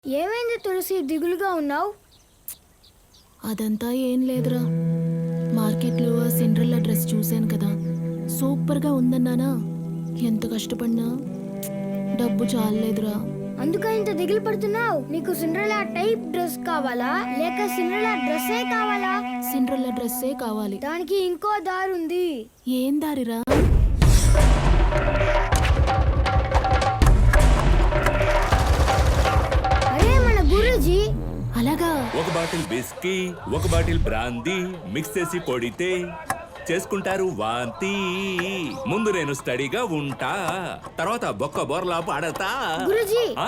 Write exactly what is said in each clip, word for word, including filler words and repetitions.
ఏమైంది తులసి, దిగులుగా ఉన్నావు? అదంతా ఏం లేదురా. మార్కెట్లో ఆ సిండ్రెల్లా డ్రెస్ చూశాను కదా, సూపర్గా ఉందన్నానా. ఎంత కష్టపడినా డబ్బు చాలలేదురా. అందుక ఇంత దిగులు పడుతున్నావు? నీకు సిండ్రెల్లా టైప్ డ్రెస్ కావాలా లేక సిండ్రెల్లా డ్రెస్సే కావాలా? సిండ్రెల్లా డ్రెస్సే కావాలి. దానికి ఇంకో దారి ఉంది. ఏం దారిరా? అరే మన గురూజీ. అలాగా? ఒక బాటిల్ బిస్కీ, ఒక బాటిల్ బ్రాందీ మిక్స్ చేసి కొడితే చేసుకుంటారు వాంతి. ముందు నేను స్టడీగా ఉంటా, తర్వాత బొక్క బోర్లా పాడతా. గురూజీ. ఆ?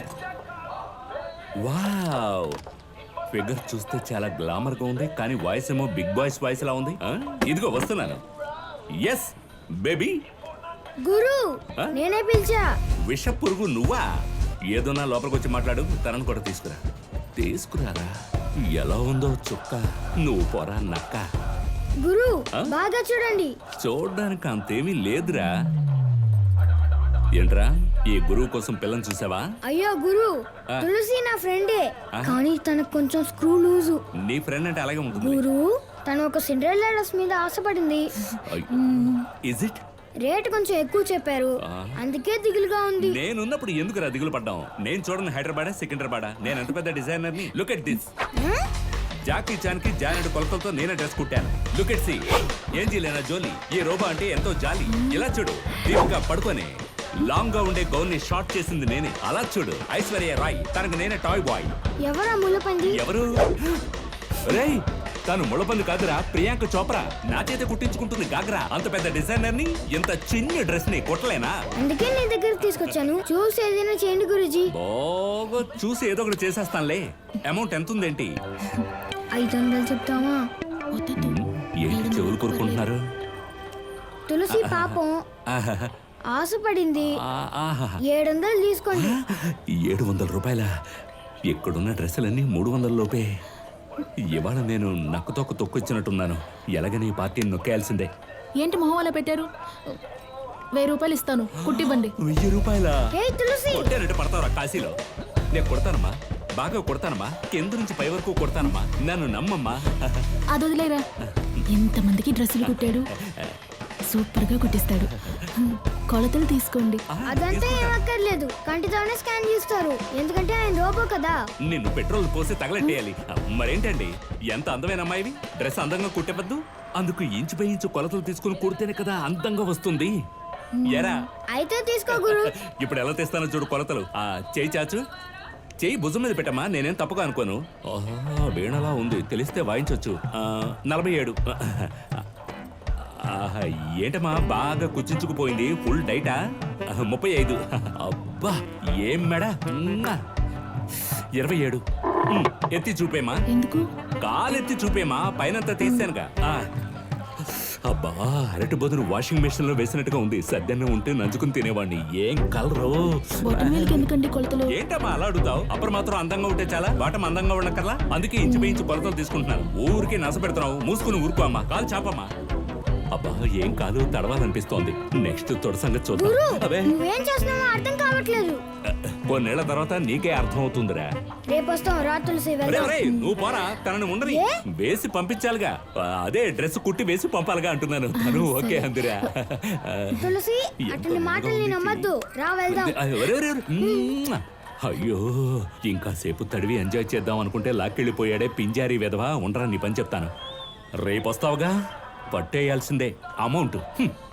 వావ్, ఫిగర్ చూస్తే చాలా గ్లామర్ గా ఉంది, కానీ వాయిస్ ఏమో బిగ్ బాయ్స్ వాయిస్ లా ఉంది. ఆ? ఇదిగో వస్తున్నాను. Yes baby. గురు, ఆ? నేనే పిలిచా. విష పురుగు నువ్వా? ఏదోనా లోపలికి వచ్చి మాట్లాడు, తనను కూడా తీసుకురా. తీసుకురారా. ఎలా ఉందో చుక్క, నువ్వు పోరా నక్క. గురు, ఆ? బాగా చూడండి. చూడ్డానికి అంతేమీ లేదురా. ఏంట్రా, ఈ గురువు కోసం పిల్లని చూసావా? అయ్యో గురు, ఆ. తులసి నా ఫ్రెండే, ఆ. కానీ తనకు కొంచెం స్క్రూ లూజు. నీ ఫ్రెండ్ అంటే అలాగే ఉంటుంది. గురు, తను ఒక సిండ్రెల్లా డ్రెస్ మీద ఆశపడింది. Is it? రేట్ కొంచెం ఎక్కువ చెప్పారు, ఆ. అందుకే దిగులుగా ఉంది. నేనున్నప్పుడు ఎందుకురా దిగులు పడ్డాం? నేను చూడను హైదరాబాద్ సికింద్రాబాద్, నేను ఎంత పెద్ద డిజైనర్ ని. Look at this. Jackie Chan కి జానెడ్ కొలతలతో నేనే డ్రెస్ కుట్టాను. లుక్ ఎట్ సి. ఏం చేయలేనా జోలి? ఈ రోబో అంటే ఎంతో జాలి. ఇలా చూడు, దీపిక పడుకొని లాంగ్ గా ఉండే గౌన్ ని షార్ట్ చేసింది నేనే. అలా చూడు, ఐశ్వర్య రాయ్, తనకు నేనే టాయ్ బాయ్. ఎవరా ముళ్ళపంది? ఎవరు? రేయ్, తను ముళ్ళపంది కాదురా, ప్రియాంక చోప్రా. నా చేత కుట్టించుకుంటుంది గాగ్రా. అంత పెద్ద డిజైనర్ ని ఇంత చిన్న డ్రెస్ ని కుట్టలేనా? అందుకే నీ దగ్గర తీసుకొచ్చాను. చూసి ఏదైనా చేయండి గురుజీ. బాగా చూసి ఏదో ఒకటి చేసేస్తానులే. అమౌంట్ ఎంత ఉందేంటి? ఐదు వందలు చెప్తావా? వద్దొద్దు. ఏంటి చెవులు కోరుకుంటున్నారు? తులసి పాపం ఆహాహా. ఆశపడింది. ఆ, ఆహా. ఏడు వందలు తీసుకోండి. ఏడు వందల రూపాయల? ఇక్కడున్న డ్రెస్సులన్నీ మూడు వందల లోపే. ఇవాళ నేను నక్కతోక తొక్కొచ్చినట్టున్నాను. ఎలాగని ఈ పార్టీని నొక్కేయాల్సిందే. ఏంటి మొహం అలా పెట్టారు? వెయ్యి రూపాయలు ఇస్తాను, కుట్టివ్వండి. వెయ్యి రూపాయల? ఏ తులసి, కొట్టానంటే పడతావురా కాశీలో. నేను కొడతానమ్మా, బాగా కొడతానమ్మా, కింద నుంచి పై వరకు కొడతానమ్మా, నన్ను నమ్మమ్మా. అది వదిలేరా. ఎంతమందికి డ్రెస్సులు కుట్టాడు, సూపర్గా కుట్టిస్తాడు. కొలతలు తీసుకోండి. అదంతా ఏమక్కర్లేదు, కంటితోనే స్కాన్ చేస్తారు. ఎందుకంటే ఆయన రోబో కదా. నిన్ను పెట్రోల్ పోసి తగలెట్టేయాలి. మరేంటండి, ఎంత అందమైన అమ్మాయివి, డ్రెస్ అందంగా కుట్టవద్దు? అందుకు ఇంచు పై ఇంచు కొలతలు తీసుకుని కుడితేనే కదా అందంగా వస్తుంది. ఎరా, అయితే తీసుకో గురు. ఇప్పుడు ఎలా తెస్తానో చూడు కొలతలు. ఆ చేయి చాచు, చేయి భుజం మీద పెట్టమ్మా, నేనేం తప్పుగా అనుకోను. ఓహో, వీణలా ఉంది, తెలిస్తే వాయించవచ్చు. ఆ, నలభై ఏడు. ఆహా, ఏంటమ్మా బాగా కుచించుకుపోయింది, ఫుల్ డైటా? ముప్పై ఐదు. అబ్బా ఏం మెడ. మ్మ్. ఇరవై ఏడు. మ్మ్. ఎత్తి చూపేమా. ఎందుకు? కాలెత్తి చూపేమా, పైనంతా తీసానుగా. ఆ. అబ్బా, అరటి బదులు వాషింగ్ మెషిన్ లో వేసినట్టుగా ఉంది. సద్దన్నం ఉంటే నంచుకుని తినేవాడిని. ఏం కలరు. బొటనవేలుకి ఎందుకండి కొలతలు? ఏంటమ్మా అలా అడుగుతావు? అప్పుడు మాత్రం అందంగా ఉంటే చాలా, బాటం అందంగా ఉండకల్లా. అందుకే ఇంచు ఇంచు కొలతలు తీసుకుంటున్నాను. ఊరికి నస పెడుతున్నావు, మూసుకుని ఊరుకో అమ్మా. కాలు చాపమ్మా. అబ్బా, ఏం కాదు, తడవాలనిపిస్తోంది. నెక్స్ట్ తొడ సంగతి చూద్దాం. అదే, నువ్వేం చేస్తున్నావో అర్థం కావట్లేదు. కొన్నేళ్ల తర్వాత నీకే అర్థం అవుతుందిరా. రేపు వస్తాం రా తులసి, వెళ్దాం. ఒరేయ్, నువ్వు పోరా, తనని ఉండని ఏ? వేసి పంపించాలిగా. అదే డ్రెస్ కుట్టి వేసి పంపాలిగా అంటున్నాను. తను ఓకే అందురా. తులసి, అతని మాటల్ని నమ్మద్దు. రా వెళ్దాం. ఒరే, ఒరే, ఒరే. మ్మ్. అయ్యో, ఇంకా సేపు తడివి ఎంజాయ్ చేద్దాం అనుకుంటే లాక్కెళ్ళిపోయాడే పింజారీ వెధవా. ఉండరా, నీ పని చెప్తాను. రేపు వస్తావుగా, పట్టేయాల్సిందే అమౌంట్.